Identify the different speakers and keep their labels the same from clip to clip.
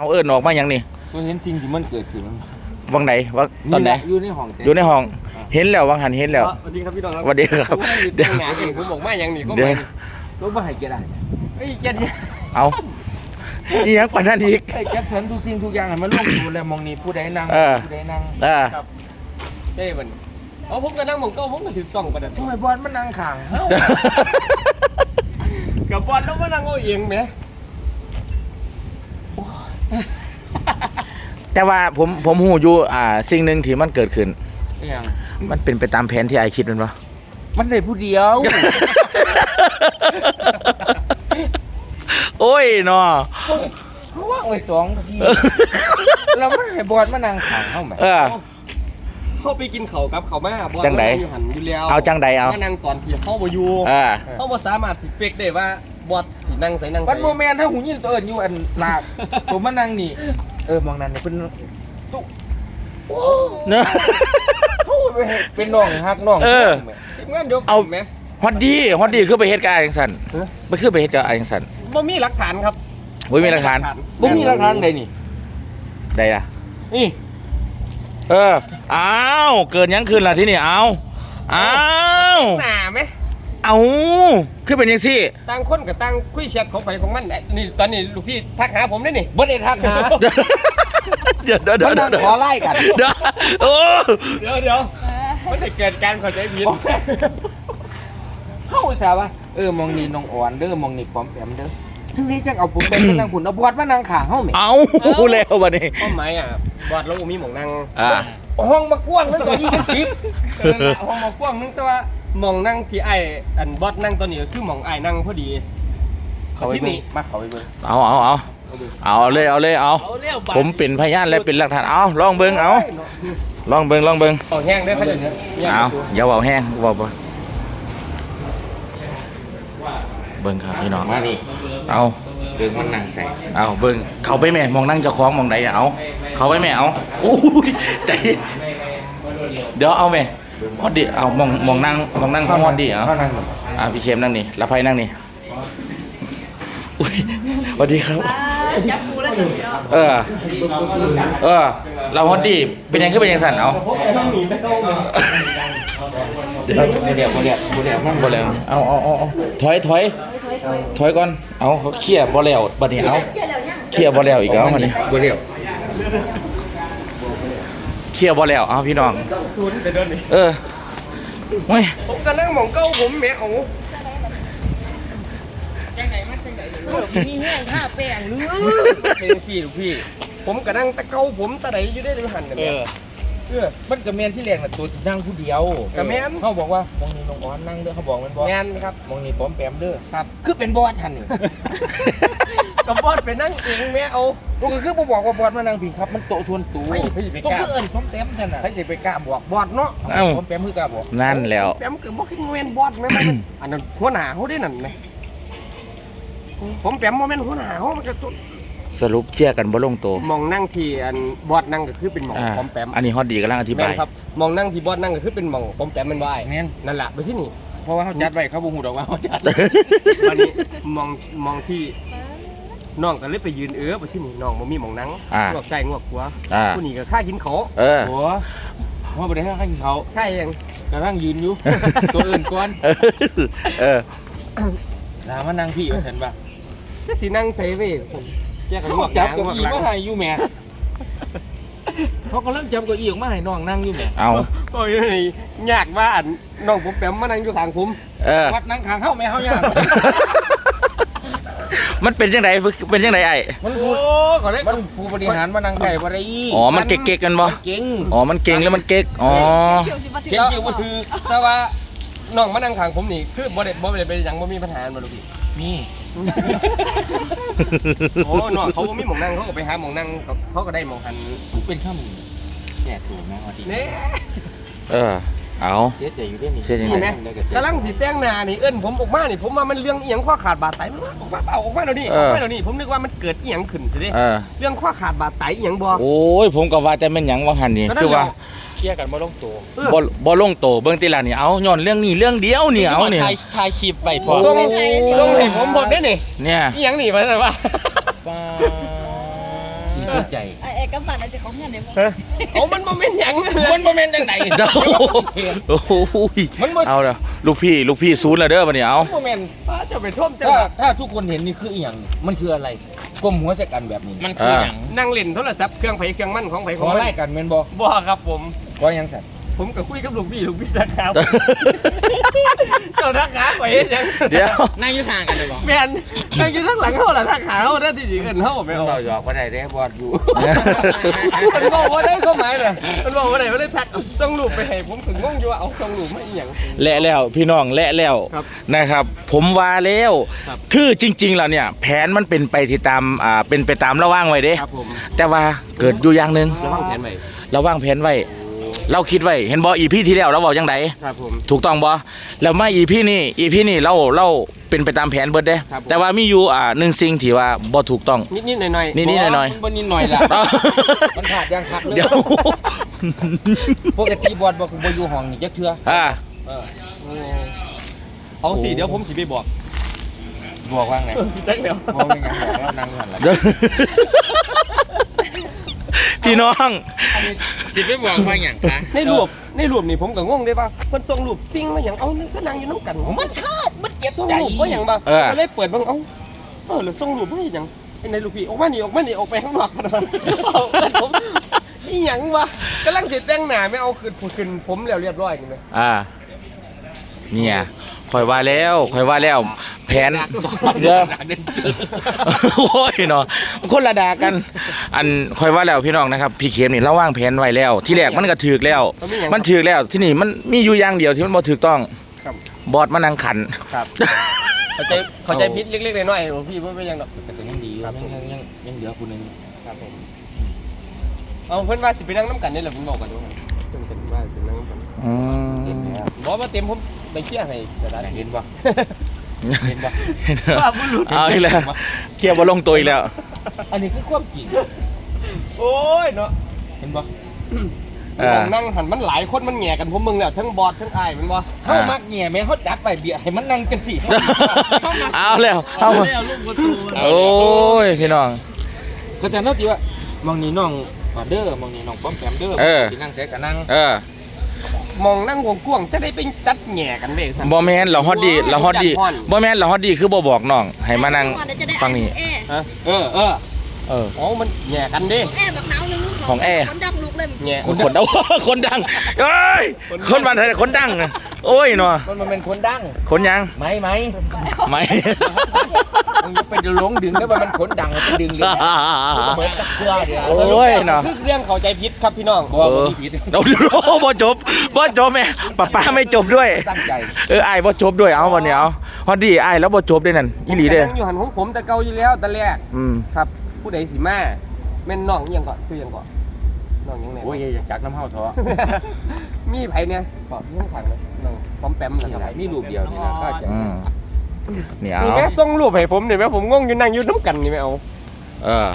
Speaker 1: เอาเอิ้นออกมายังนี่
Speaker 2: ตัวเห็นจริงที่มันเกิดขึ้น
Speaker 1: วังไหนว่าตอนไหน
Speaker 2: อยู่ในห้อง
Speaker 1: อยู่ในห้องเห็นแล้ววังหันเห็นแล้ว
Speaker 3: สวัสดีครับพี่น้อง
Speaker 1: สวัสดีครับ
Speaker 3: เดี๋ยวงานเองผมบอกไม่ยังหนีก็ไม่
Speaker 2: รถมาให้แกได้
Speaker 3: ไอ้แกเนี่ย
Speaker 1: เอาอีหยังปานนั้นอีก
Speaker 2: ไอ้แกฉันทุกสิ่งทุกอย่างมันลงอยู่แล้วมองนี่ผู้ใดนั่งผู้ใดนั่ง
Speaker 3: ครับเจ้มันเอาผมก็นั่งมองก็ผมก็ถือกล่องประดับ
Speaker 2: ทำไมบอลมันนั่งข้างเฮ้า
Speaker 3: กับบอลต้องมานั่งเอาเองไหม
Speaker 1: แต่ว่าผมหูอยู่สิ่งหนึ่งที่มันเกิดขึ้น
Speaker 2: อย่าง
Speaker 1: มันเป็นไปตามแผนที่ไอคิดมันปะ
Speaker 2: มันได้ผู้เดียว
Speaker 1: โอ้ยเนาะ
Speaker 2: เพราะว่าไอ้2 ทีเราไม่ให้บอลมานั่งข้างเฮ้าไหม
Speaker 3: เข้าไปกินเขากับเขามาบอล
Speaker 1: จังได
Speaker 3: อยู่หันอยู่แล้ว
Speaker 1: เอาจังไดเอา
Speaker 3: นั่งตอนที่เข้าบ่อยู่เข้าบ่สามารถสิเฟกได้ว่าบอลที่นั่งใส่นั่งใส่
Speaker 2: วันโมเมนต์ถ้าหูยินตัวเอิญอยู่อันลากผมมานั่งนี่มองนั่นเป็นตุ๊
Speaker 1: เนอะ
Speaker 2: เป็นน้องฮักน้อง
Speaker 3: งั้นเดี๋ยว
Speaker 1: เอาไหมฮอตดีคือไปเฮ็ดกับไอ้ยังสันไม่คือไปเฮ็ดกับไอ้ยังสัน
Speaker 3: บ่มีหลักฐานครับ
Speaker 1: บ่มีหลักฐาน
Speaker 2: บ่มีหลักฐานใดนี่
Speaker 1: ใดล่ะ
Speaker 2: นี่
Speaker 1: อ้าวเกินยังคืนล่ะที่นี่อ้าว
Speaker 3: หนาไหม
Speaker 1: เอาคือเป็นยังซี่
Speaker 3: ต่างคนกับต่างคุยแชทของไปของมันนี่ตอนนี้ลูกพี่ทักหาผมได้นี่
Speaker 2: บ่ได้ทักหา
Speaker 1: เดี๋ยว
Speaker 2: มันขอไล่กัน
Speaker 1: เดี๋ยว
Speaker 3: มันจะเกิดการเข้าใจผิด
Speaker 2: เฮาซะว่ามองนี่น้องอ่อนเด้อมองนี่ปอมแปมเด้อทั้งนี้จังเอาผมไปนั่งพุ่นเอาบอดมานั่งข้างเฮาแหม
Speaker 1: เอาแล้วบัดนี้
Speaker 3: ความหมายบอดแล้วมีหม่องนั่ง
Speaker 2: ห้องมากว้างนึงก็20
Speaker 3: ห้องมากว้างนึงแต่ว่าหม่องนั่งที่ไอ้อันบอดนั่งตัวนี้คือหม่องไอ้นั่งพอดี
Speaker 2: เขาไปนี่มาเขาไปเบิ่ง
Speaker 1: เอาเลยผมเป็นพยานและเป็นหลักฐานเอาลองเบิ่งลองเบิ่ง
Speaker 3: เอาแห้งได้เขาเดี๋ยวนี้
Speaker 1: อย่าเว้าแห้งเว้าบ่เบิ่งครับพี่น้อง
Speaker 2: มานี่
Speaker 1: เอา
Speaker 2: เบิ่งมันนั่งใส่
Speaker 1: เอาเบิ่งเข้าไปแม่มองนั่งเจ้าของมองใดเอาเข้าไปแม่เอาโอ้ยใจเดี๋ยวเอาแม่ฮอดดิเอามองนั่งของฮอดดิเอาพี่เข้มนั่งนี่ละไผนั่งนี่สวัสดีครับ
Speaker 4: จับกูแล้วถึง
Speaker 1: เราฮอตดีเป็นยังขึ้นเป็นยังสั่นเอา
Speaker 2: เดี๋ยวนั่งบ่แล้ว
Speaker 1: เอาถอยก่อนเอาเขาเคลียร์บ่แล้วบัดนี้เอาเคลียร์บ่แล้วอีกแล้วบัดนี้
Speaker 2: บ่แล้ว
Speaker 1: เคลียร์บ่แล้วเอาพี่น้อง
Speaker 3: ศูนย์แต่เดินนี่
Speaker 1: เฮ้ย
Speaker 3: ผมก็นั่งหม่องเก้าผมแม่เอา
Speaker 4: มีแห้งท่าแป้งหรือ
Speaker 3: เป็นพี่ผมก็นั่งตะเกาผมตะไหนอยู่ได้หรือหันกัน
Speaker 2: มันกระเมนที่แรกน่ะตัวที่นั่งผู้เดียว
Speaker 3: กระเมน
Speaker 2: เขาบอกว่ามองนี่น้องอ่อนนั่งเด้อเขาบอกมันบอส
Speaker 3: แมนครับ
Speaker 2: มองนี่ป้อมแปมเด้อ
Speaker 3: ครับ
Speaker 2: คือเป็นบอสทันนี่
Speaker 3: กับบอสไปนั่งเองแม่เอา
Speaker 2: ก็คือบอกว่าบอสมานั่งผีครับมันโตชวนตู
Speaker 3: ต้อง
Speaker 2: คือเอิญป้อมแปมทันน่ะ
Speaker 3: ให้จะไปกล้าบอกบอสเนาะ
Speaker 2: ป้อมแปมคือกล้าบอก
Speaker 1: นั่นแล้ว
Speaker 3: แปมเกิดบอกให้เมนบอสไหมอันนั้นหัวหน้าเขาได้นั่นไหมผมแปมโมเมนต์หัวหน้าเขามันก็
Speaker 1: สรุปเคลียร์กันบ่ลงตัว
Speaker 3: มองนั่งที่อันบอสนั่งก็คือเป็นหม่องป้อมแปม
Speaker 1: อันนี้ฮอตดีกำลังอธิบาย
Speaker 3: ครับมองนั่งที่บอสนั่งก็คือเป็นหม่องป้อมแปมมันว่านั่นแหละไปที่นี่
Speaker 2: เพราะว่าเขาจัดไว้เขาบ่ฮู้ดอกว่าเขาจัด
Speaker 3: วันนี้มองที่น้องก็เลยไปยืนไปที่นี่น้องบ่มีหม่องนั่งงวกใส่งวกหัวผู้นี้ก็ค่ากินเขา
Speaker 2: โอ้ว่าบ่ได้ค่ากินเขา
Speaker 3: ค่ายัง
Speaker 2: กำลังยืนอยู่ตัวอื่นก่อนลามานั่งพี่ว่าฉันป่ะ
Speaker 3: จะสินั่งใส่เว้ย
Speaker 2: เขาจับเก้าอี้มาให้อยู่แม่เขากำลังจับเก้าอี้ออกมาให้น้องนั่งอยู่แม่
Speaker 1: เอา
Speaker 3: โอ้ยยากว่าน้องผมแปมมานั่งอยู่ข้างผม
Speaker 2: วัดนั่งข้างเฮาแม่เฮายาก
Speaker 1: มันเป็นจังไดไอ้
Speaker 2: มันผู้บริหารมานั่งไก่บ่ได้
Speaker 1: อ๋อมันเก๊กกันบ่
Speaker 2: เก่ง
Speaker 1: อ๋อมันเก่งแล้วมันเก๊กอ๋อ
Speaker 3: เก่งจริงว่าคือแต่ว่าน้องมานั่งข้างผมนี่คือบ่ได้เป็นหยังบ่มีปัญหาบ่ลูกพี่
Speaker 2: มี
Speaker 3: โอ้น้องเขาบ่มีหม่องนั่งเขาก็ไปหาหม่องนั่งเขาก็ได้หม่องหัน
Speaker 2: เป็นข้ามแก่ตัวแม่ว่าดี
Speaker 3: นี่
Speaker 1: เอา
Speaker 2: เสียใจอยู่ด้วยนี่
Speaker 1: เสียใจ
Speaker 3: ไหมกำลังสิแต่งหน้านี่ผมออกมานี่ผมว่ามันเรื่องอีหยังข้อขาดบาดไตมันออกมาแล้วนี่ผมนึกว่ามันเกิดอีหยังขึ้นสิเด้เรื่องข้อขาดบาดไตอีหยังบ่
Speaker 1: โอ้ยผมก็ว่าแต่แม่นหยังว่าหั่นนี่คือว่า
Speaker 2: เคลียร์กันบ่ลงตัว
Speaker 1: บ่ลงตัวเบิ่งติล่ะนี่เอาย้อนเรื่องนี้เรื่องเดียวนี่เอานี่
Speaker 2: ถ่ายคลิปไปพอ
Speaker 3: ส่งให้ผมได้นี่
Speaker 1: เนี่ย
Speaker 3: อีหยังนี่ว่าซั่นว่า
Speaker 2: ขี่สนใจ
Speaker 4: ไอ้กำปั้นไอ้สิของเงินเดี๋ยว
Speaker 3: เอามันโมเมนต์หยัง
Speaker 2: มันบ่แม่นจังได๋
Speaker 1: เด้อโอ้โห
Speaker 2: มันบ่
Speaker 1: เอาแล้วลูกพี่ศูนย์แล้วเด้อบัดนี้เอา
Speaker 2: บ่แม่น
Speaker 3: ป้าจะไปท่วมจัง
Speaker 2: ถ้าทุกคนเห็นนี่คืออีหยังมันคืออะไรก้มหัวใส่กันแบบนี้มันคือหยัง
Speaker 3: นั่งเล่นโทรศัพท์เครื่องไผเครื่องมันของไผ
Speaker 2: ข
Speaker 3: ของ
Speaker 2: อ
Speaker 3: มัน
Speaker 2: ไล่กันแม่นบ่
Speaker 3: บ่ครับผม
Speaker 2: ก็ยังสั่น
Speaker 3: ผมก็คุยกับลูกพี่นะครับเจ้าทักขาไปเฮ็ดหยัง
Speaker 1: เดี๋ยว
Speaker 2: นั่งอยู่ข้างกันเลยบ่
Speaker 3: แม่นนั่งอยู่ข้างหลังเฮาล่ะทักขาเฮาได้ที่สิเอิ้นเฮาไม่เอา
Speaker 2: เราหยอกบ่ได้เด้บอดอยู่
Speaker 3: มันบอกว่าได้ความหมายน่ะมันบอกว่าได้บ่ได้ทักส่งรูปไปให้ผมถึงงงอยู่ว่าเอาส่งรูปมาอีหยัง
Speaker 1: และแล้วพี่น้องและแล้ว
Speaker 3: ครับ
Speaker 1: นะครับ ผมว่าแล้ว
Speaker 3: ครับ
Speaker 1: คือจริงๆแล้วเนี่ย แผนมันเป็นไปที่ตามเป็นไปตามระว่างไว้เด้
Speaker 3: ครับผม
Speaker 1: แต่ว่าเกิดอยู่อย่างหนึง
Speaker 3: ระวังแผนไว้
Speaker 1: เราวางแผนไว้ เราคิดไว้เห็นบ่อีพีที่แล้วเราบอกจังได
Speaker 3: ครับผม
Speaker 1: ถูกต้องบ่แล้วมาอีพีนี่เราเป็นไปตามแผนเบิดเด้
Speaker 3: ครับผม
Speaker 1: แต่ว่ามีอยู่หนึ่งสิ่งที่ว่าบ่ถูกต้อง
Speaker 3: นิดๆหน่อยๆ
Speaker 1: นิดๆหน่อย
Speaker 2: มันบ่นิดหน่อยล่ะมันขาดยังคักเลย
Speaker 1: เดี๋ยว
Speaker 2: ปกติบอดบ่คือบ่อยู่ห้องนี่จักเทื่อ เออ
Speaker 3: เอาสิเดี๋ยวผมสิไปบอก
Speaker 2: บอกว่าไง
Speaker 3: จักเดี๋ยว
Speaker 2: บอกเป็นหยังบอกแล้วนั่งอยู่หั่นล่ะ
Speaker 1: เดี๋ยวพี่น้อง
Speaker 2: สิไปบอกว่าหยังคะ
Speaker 3: ในรูปนี่ผมก็งงได้ป่ะเพิ่นส่งรูปปิ้งมาหยังเอานี่ก็นั่งอยู่น้ำกันมันขาดมันเจ็บส่งรูปว่าหยังบ่ก็เลยเปิดเบิ่งแล้วส่งรูปมาหยังไอ้ในลูกพี่ออกมานี่ออกไปข้างนอกกันว่าเอากันผมอีหยังวะกำลังสิแต่งหน้าไม่เอาขึ้นผมแล้วเรียบร้อยนี่แหม
Speaker 1: เนี่ยคอยว่าแล้วแผนเดี๋ยวโอ้ยเนาะคนละดากัน อันคอยว่าแล้วพี่น้องนะครับพี่เข็มนี่เราวางแผนไว้แล้ว ที่แรกมันก็ถูกแล้ว มันถูกแล้วที่นี่มันมีอยู่อย่างเดียวที่มันบ่ถูกต้อง
Speaker 3: ครับ
Speaker 1: บอดมานั่งขัน
Speaker 3: ครับเข้าใจผิดเล็กๆน้อยๆพี่บ่เป็นหยังดอก
Speaker 2: แต่ก็ยังดีอยู่ยังเหลือผู้หนึง
Speaker 3: ครับผมเอาเพิ่นว่าสิไปนั่งน้ำกันนี่แหละผมบอกกันดูเพิ่นเป็นว่าสินั่งน้ำกัน
Speaker 1: อื
Speaker 2: เห็น
Speaker 1: ม
Speaker 2: แล้ว
Speaker 3: บอกว่าเต็มผมไปเคลียร์ให้ก็ได้
Speaker 2: เห็นบ่เห็นบ่
Speaker 3: ว่าบุรุษ
Speaker 1: เอาอีกแล้วเคลียร์บ่ลงตัวอีกแล้ว
Speaker 2: อันนี้คือความจริง
Speaker 3: โอ้ยเนาะ
Speaker 2: เห็นบ่
Speaker 3: มองนั่งหันมันหลายคนมันแหง่กันผมมึงแล้วทั้งบอสทั้งอ้ายมันบ่
Speaker 2: เฮามักแหน่แม่เฮาจัดไว้เบียร์ให้มันนั่งจังซี่
Speaker 1: เอาแล้วเอามา
Speaker 3: ลูกประตู
Speaker 1: โอ้ยพี่น้อง
Speaker 2: ก็จะเนาะที่ว่ามองนี่น้องมาเด้อมองนี่น้องป้อมแปมเด้อสินั่งแท้ก็นั่ง
Speaker 3: มองนั่งกวงๆจะได้ไปตัดแหง่กันเด้ซั่น
Speaker 1: บ่แม่นเราฮอดดีบ่แม่นเราฮอดดีคือบ่บอกน้องให้มานั่งฟังนี่
Speaker 3: ฮะ
Speaker 2: เออ
Speaker 3: อ๋อมันแหง่กันเด้
Speaker 4: แอร์บักหนาวนึง
Speaker 1: ของแอร์
Speaker 4: คนดังลูกเลย
Speaker 3: แหง่
Speaker 1: คนเอา คนดังเอ้ยคนบ้านไทยคนดังโอ้ยเนาะ
Speaker 2: มันเป็นคนดัง
Speaker 1: คนยัง
Speaker 2: ไหม
Speaker 1: ไม่
Speaker 2: มึงจะเป็นหลงดึงแล้วมันคนดังมันจะดึงเลยเหมือนตะเกียบเดียว
Speaker 1: โอ้ยเนาะ
Speaker 3: คือเรื่องเข้าใจผิดครับพี่น้อง
Speaker 2: บอกว่าผิด
Speaker 1: เราบ่จบแม่ป้าไม่จบด้วย
Speaker 2: ตั้งใจ
Speaker 1: อ้ายบ่จบด้วยเอาวันนี้เอาฮอดดีอ้ายแล้วบ่จบด้วยนั่นอีหลีเด้อ
Speaker 3: ผมก็นั่งอยู่หันของผมแต่เก่าอยู่แล้วแต่แรก ครับ ผู้ใดสิมาแม่นน้องอิหยังก่อนซื้ออิหยังก่อนน้องอิหยังไหน
Speaker 2: โอ้ยอยากจักน้ำเฮาท้อ
Speaker 3: มีไผเนี่ยก่อนเรื่องขังเลยน้องปอมแปม
Speaker 2: มี
Speaker 3: นะ
Speaker 2: อะไรมีรูปเดียวนี่นะก็จะ
Speaker 1: นี่
Speaker 3: นี่
Speaker 1: เอา
Speaker 3: แม่ส่งรูปให้ผมนี่แม่ผมงงอยู่นั่งอยู่น้ำกันนี่แม่เอา
Speaker 1: เออ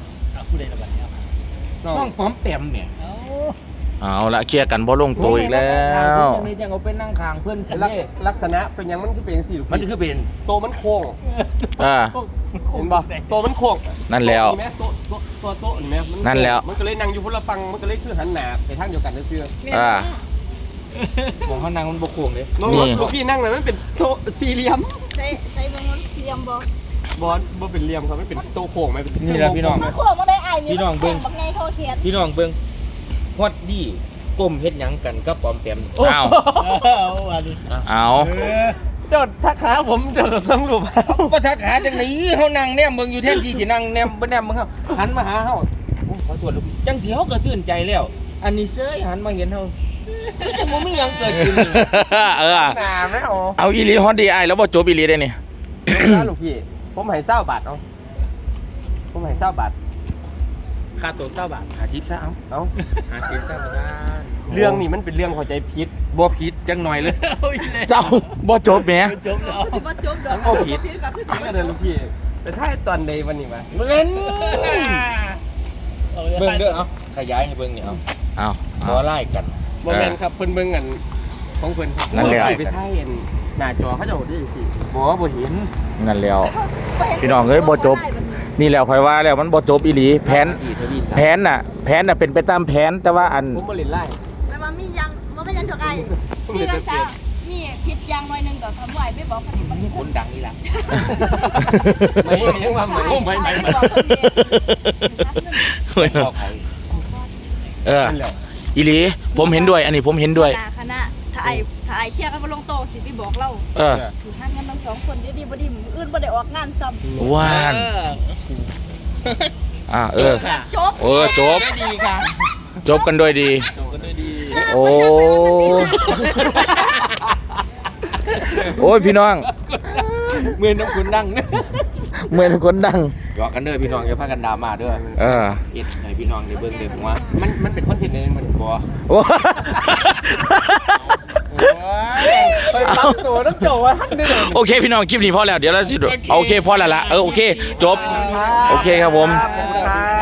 Speaker 3: น้อง
Speaker 2: น้องป้อมแปมเนี่ย
Speaker 1: เอาละเคลียร์กันบ่ลงตัวอีกแล้ว
Speaker 2: นี่จังเอาไปนั่งข้างเพื่อนฉัน
Speaker 3: ลักษณะเป็นหยังมันคือเป็นสี่ลูก
Speaker 2: มันคือเป็น
Speaker 3: โตมันโค้ง
Speaker 1: อ่า
Speaker 3: เห็นป่ะโตมันโค้ง
Speaker 1: นั่นแล้ว
Speaker 3: โต๊ะนี่แม่โต๊ะนี่แม่มั
Speaker 1: นั่นแล้ว
Speaker 3: มันก็เลยนั่งอยู่คนละฝั่งมันก็เลยคือหันหน้าไปทางเดียวกันเชื่อ
Speaker 2: มองเขานั่งมันบกโค้งเลย
Speaker 3: น้องลูกพี่นั่งเลยมันเป็นโต๊ะสี่เหลี่ยม
Speaker 4: ใช้บางคนเตรียมบ่
Speaker 3: บอลบ่เป็นเหลี่ยมครับไม่เป็นโต๊ะโค้งไม่เป็น
Speaker 2: นี่แหละพี่น้อง
Speaker 4: มาโค้งมาได้อ้ายนี่บักไงโทรเขียน
Speaker 2: พี่น้องเบิ่งฮอดดีก้มเฮ็ดหยังกันก็ป้อมแปม
Speaker 1: เอาเอา
Speaker 3: เจ้าทักขาผมเจ้าส่งรูป
Speaker 2: ก็ทักหาจังไหนเฮานั่งแนมเบิ่งอยู่แทนที่สินั่งแนมบ่แนมเบิ่งเฮาหันมาหาเฮาขอตรวจจังสิเฮาก็ซื่นใจแล้ว อันนี้เซ้ยหันมาเห็นเฮาจังบ่มีหยังเกิดขึ้น
Speaker 1: เออ
Speaker 3: หน้าไม่เอา
Speaker 1: เอาอีหลีฮอดดีอ้ายแล้วบ่จบอีหลีได้นี่
Speaker 3: ลูกพี่ผมให้20 บาทเอาผมให้20 บาท
Speaker 2: ค่าตัว20 บาท50ซะเอา
Speaker 3: เอา
Speaker 2: 50ซะบ่ซะ
Speaker 3: เรื่องนี้มันเป็นเรื่องเข้าใจผิด
Speaker 2: บ่ผิดจังหน่อยเลย
Speaker 1: เจ้าบ่จบแหม
Speaker 4: บ่จบดอก
Speaker 2: โอ้ผิด
Speaker 3: ก็เดินลูกพี่แต่ถ้าตอนใดวันนี้มา
Speaker 2: เล่นเบิ่งเด้อเอาขยายให้เบิ่งนี่เอา
Speaker 1: เอา
Speaker 2: บ่ไล่กัน
Speaker 3: โมเมนต์ครับเพิ่นเบิ่งกันของเพิ่นครับ
Speaker 1: นั่นแหละ
Speaker 3: ไปถ่ายเห็นหน้าจอเขาจะโหดได้จังซี่
Speaker 2: บ่เห็น
Speaker 1: นั่นแล้ว พี่น้องเอ้ยบ่จบนี่แหล้วคอยว่าแล้วมันบ่จบอีหลีแผน
Speaker 2: อีทวีศักดิ์
Speaker 1: แผนน่ะเป็นไปตามแผนแต่ว่าอัน
Speaker 3: ผมบ่เล่นไล่
Speaker 4: แต่ว่ามียังบ่เป็นยังถูกไอ้มีรักษามีผิดยางหน่อยนึงก็ทำไหวไม่บอกคนนี้มัน
Speaker 2: คนดังนี่ล่ะ
Speaker 3: ไม่ยังว่าไม่
Speaker 2: ไม่
Speaker 4: บอกคนนี้
Speaker 2: บอกเขา
Speaker 1: เอออีหลีผมเห็นด้วย อันนี้ผมเห็นด้วย
Speaker 4: คณะถ้าไอ้เชียร์กันมาลงโตสิพี่บอกเรา
Speaker 1: เออ
Speaker 4: ถือหันกันทั้งสองคนดีบ่ดีมื้ออื่นบ่ได้ออกงานซ้ำ
Speaker 1: ว่านเออ
Speaker 4: จบ
Speaker 1: จบ
Speaker 2: ได้ดีค่ะ
Speaker 1: จบกันด้วยดี
Speaker 2: จบกันด้วยดี
Speaker 1: โอ้โอ้ยพี่น้อง
Speaker 2: เมื่อน้ำคุณดัง
Speaker 1: เหมือนคนดัง
Speaker 2: หยอกกันเด้อพี่น้องอย่าพากันดราม่าเด้อ
Speaker 1: เออ
Speaker 2: เอ็ดให้พี่น้องได้เบิ่งเลยผมว่ามันเป็นคอนเทนต์เลยมันบ่
Speaker 1: โอ้
Speaker 3: ไปปั๊บตัวน้ำโจว่าท่านได้เลย
Speaker 1: โอเคพี่น้องคลิปนี้พอแล้วเดี๋ยวเราจะโอเคพอแล้วละโอเคจบโอเคครับผม
Speaker 3: ขอบคุณครับ